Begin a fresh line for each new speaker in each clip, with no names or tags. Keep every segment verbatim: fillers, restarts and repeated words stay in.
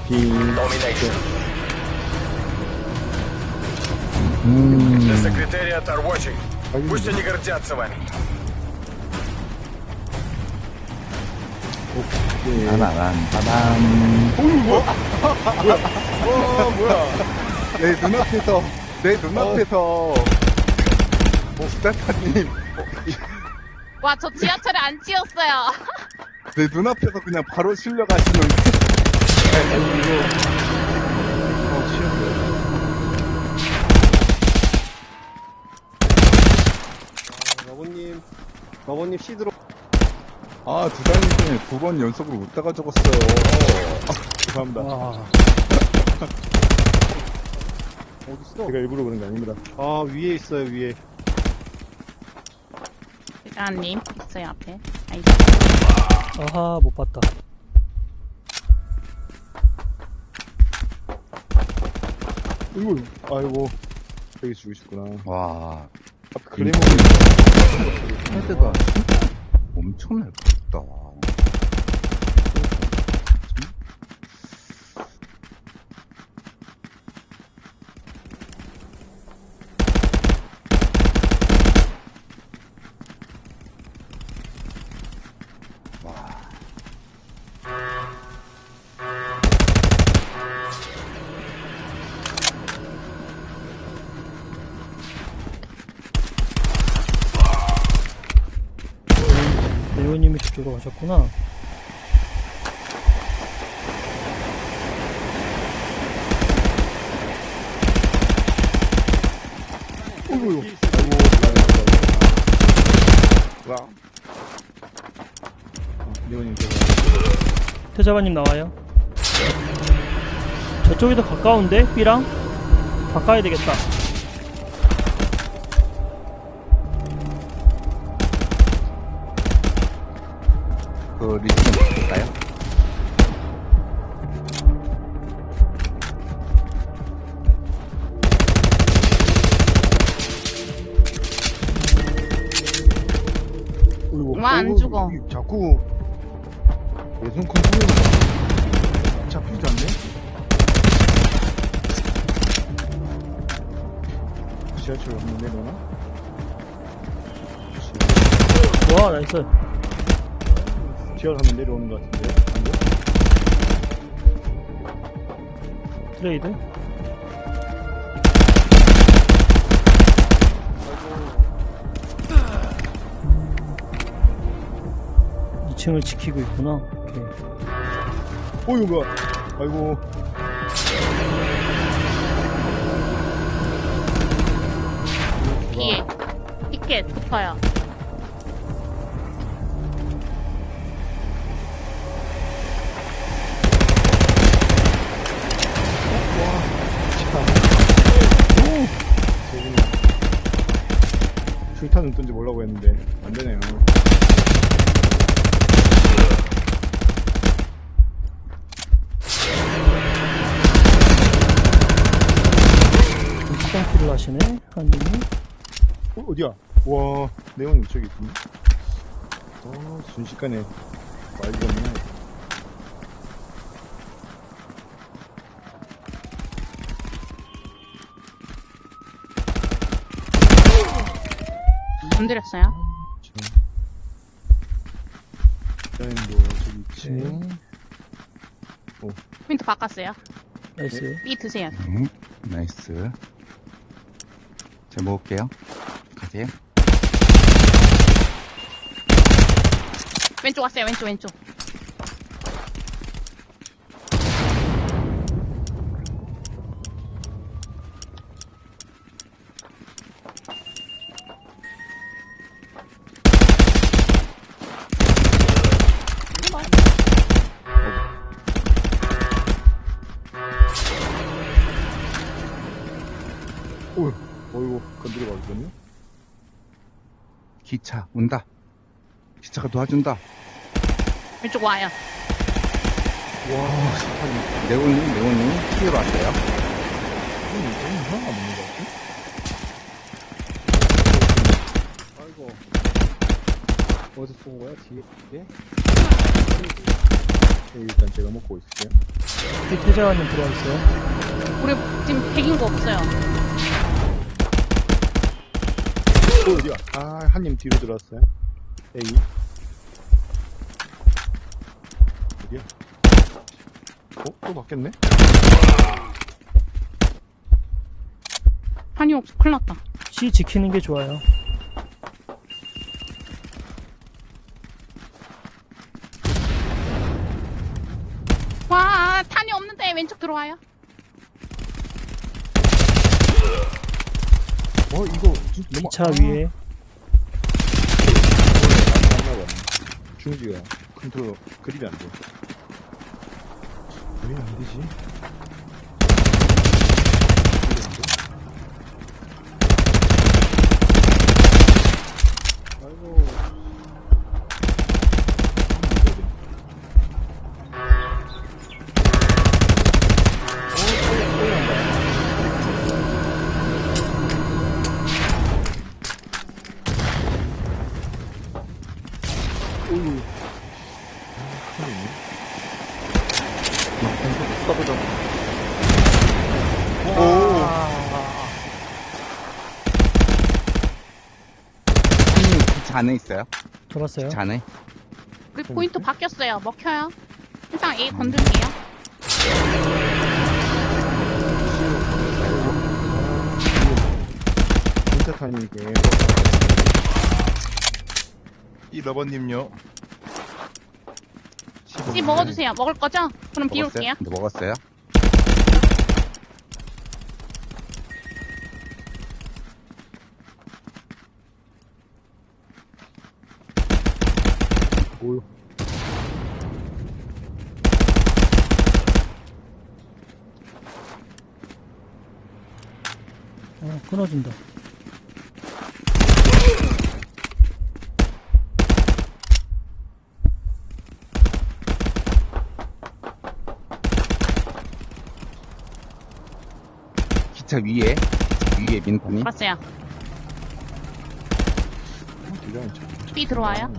Domination. The Secretariat are watching. Пусть они гордятся вами.
빠바밤 빠밤.
어, 뭐야. 내 눈앞에서, 내 눈앞에서. 스타타님.
와, 저 지하철에 안 치였어요.
내 눈앞에서 그냥 바로 실려가시는. 어, 쉬었어요.
마보님, 마보님 시드로.
아, 두 달 전에 두 번 연속으로 웃다가 적었어요. 아, 죄송합니다.
어딨어?
제가 일부러 그런 게 아닙니다.
아, 위에 있어요, 위에.
대장님 있어요 앞에. 아이,
아하, 못 봤다.
이거, 아이고. 되게 죽으셨구나.
와,
앞에 클레이몬이.
헤드가 진짜 엄청 넓다.
레오님이 그쪽으로 가셨구나.
어이구, 아이고, 와. 리오님, 제가.
태자바님 나와요. 저쪽이 더 가까운데? B랑? 바꿔야 되겠다.
그 리스폰 볼까요?
어이구,
와, 안
어이구,
죽어.
이- 자꾸 예전 컨트롤이 잡히지 않네? 지하철 한번 내려나?
와, 나이스.
지하철 한번 내려오는 것 같은데?
트레이드. 이 층을 지키고 있구나. 오케이.
어이구, 뭐야. 아이고.
뒤에 티켓 붙어요.
술탄은 뜬지 몰라고 했는데 안 되네요.
스턴키를 하시네, 한님이.
어, 어디야? 와, 네온이 저기 있군요. 어, 순식간에 말도 없네.
건드렸어요.
자인도 저기 있지.
네.
포인트 바꿨어요.
나이스.
B 드세요.
음, 나이스. 제가 먹을게요. 가세요.
왼쪽 왔어요. 왼쪽 왼쪽.
어휴, 어이구, 건드려 가거든요.
기차 온다. 기차가 도와준다.
왼쪽 와요.
와, 스타님.
네오님, 네오님 피해로 왔어요.
이거 하나가 없는 것 같아? 아이고. 어디서 쏜 거야? 뒤에? 뒤에?
네, 일단 제가 먹고 있을게요.
태자님 들어와 있어요.
우리 지금 백인 거 없어요.
또 어디야? 아, 한님 뒤로 들어왔어요. A. 어디야? 어? 또 바뀌었네?
한이 없어. 큰일 났다.
C 지키는 게 좋아요.
와, 탄이 없는데 왼쪽 들어와요.
어, 이거 진짜 너무
이 차 위에.
안나봐. 중지가 컨트롤 그립이 안 돼. 왜 안 되지? 아이고. 어우.
써보자. 형님, 기차 안에 있어요?
돌았어요.
기차 안에?
우리 포인트 바뀌었어요. 먹혀요. 일단 A 건들게요.
진짜 타이밍이게.
이 러버님요.
C 먹어주세요. 먹을 거죠? 그럼 비울게요.
네, 먹었어요.
뭐요?
어, 끊어진다.
기차 위에, 위에 민탄이.
봤어요.
어, 디자인 참.
B 들어와요.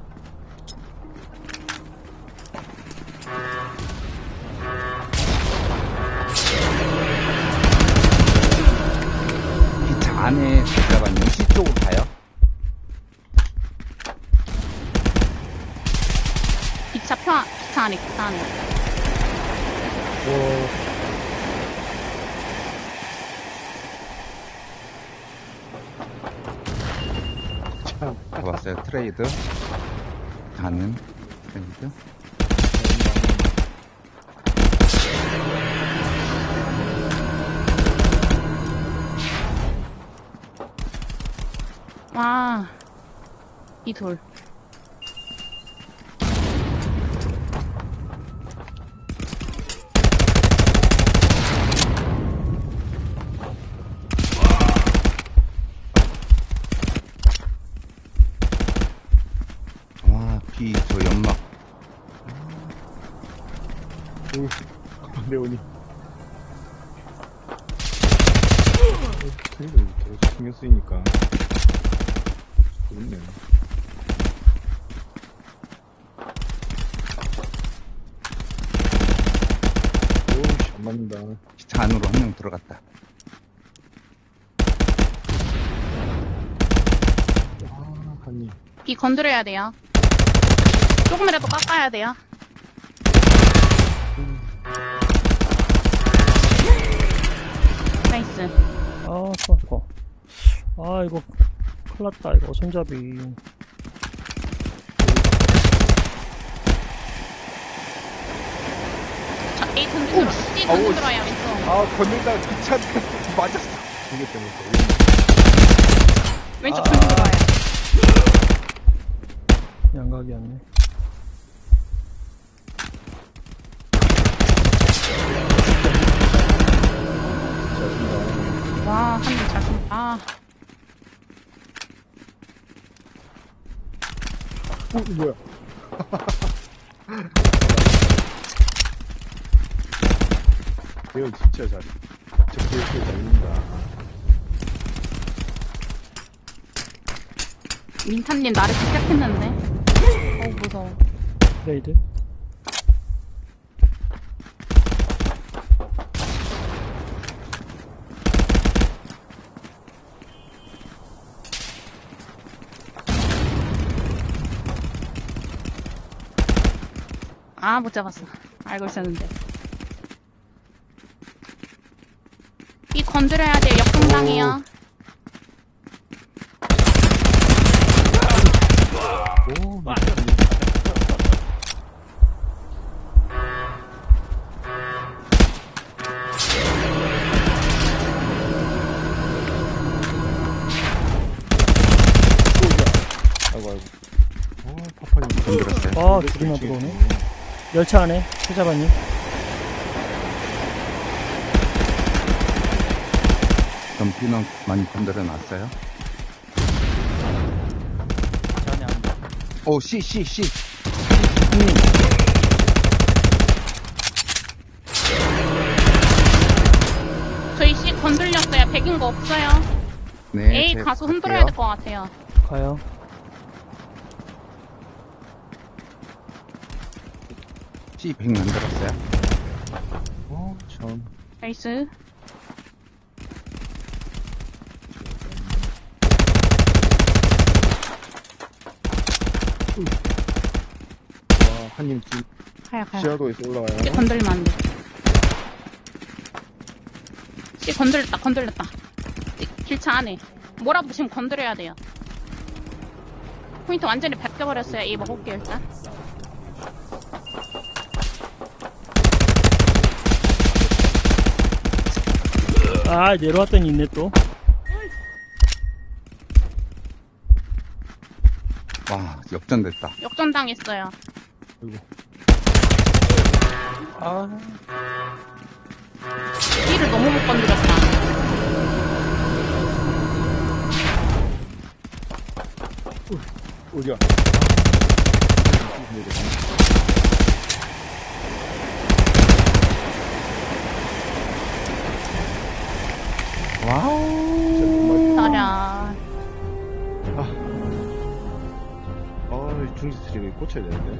기차 안에 들어가면 시 쪽으로 가요.
기차 표, 안- 기차 안에, 기차 안에.
참.
잡았어요. 트레이드. 가는 트레이드.
와, 이 돌.
와, 비, 저 연막.
오, 레오니. 그래도 계속 신경 쓰이니까. 그렇네. 오우씨, 안 맞는다.
기차 안으로 한 명 들어갔다.
아, 한님.
B 건드려야 돼요. 조금이라도 깎아야 돼요. 나이스.
아, 아파. 아, 이거, 큰일 났다, 이거, 손잡이.
자, A 던지 들어, C 던지 들어요, 왼쪽.
아, 건들다가 기차한테 맞았어.
이게 때문에.
왼쪽 던지 들어요.
양각이었네.
와, 한님 잘 쏜다. 아,
어, 이거 뭐야? 대현 진짜 잘해. 저 대현 잘 있는다.
민탄님 나를 시작했는데. 어우, 무서워.
트레이드.
아, 못 잡았어. 알고 있었는데. 이 건드려야 돼요. 역동당이요.
오, 나 아이고, 아이고. 어, 파파님.
건드렸어요.
아, 둘이나 들어오네. 열차 안에, 최자반님.
점피는 많이 건드려 놨어요. 오, C, C, C.
형님,
저희 C 건들렸어요. 백인 거 없어요.
네.
A
제가
가서
갈게요.
흔들어야 될 것 같아요.
가요.
C 백 만들었어요.
어, 참.
나이스.
와, 한님 집
가요, 가요.
지하도에서 올라가요.
C 건들면 안 돼. C 건들렸다, 건들렸다. C 길차 안에. 뭐라도 지금 건드려야 돼요. 포인트 완전히 벗겨버렸어요. A 먹을게요, 일단.
아, 내려왔더니 있네, 또.
와, 역전됐다.
역전당했어요.
아,
B를 너무 못 건드렸다.
어디야?
와우.
따라.
아, 아, 중지 스트링이 꽂혀야 되는데.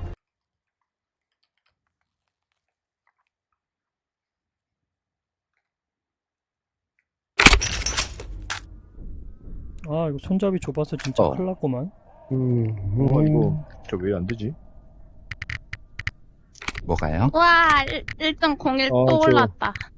아, 이거 손잡이 좁아서 진짜
어.
큰일 났구만.
음, 어, 이거, 저 왜 안 되지?
뭐가요?
와, 일 점 공일
어,
또
저-
올랐다.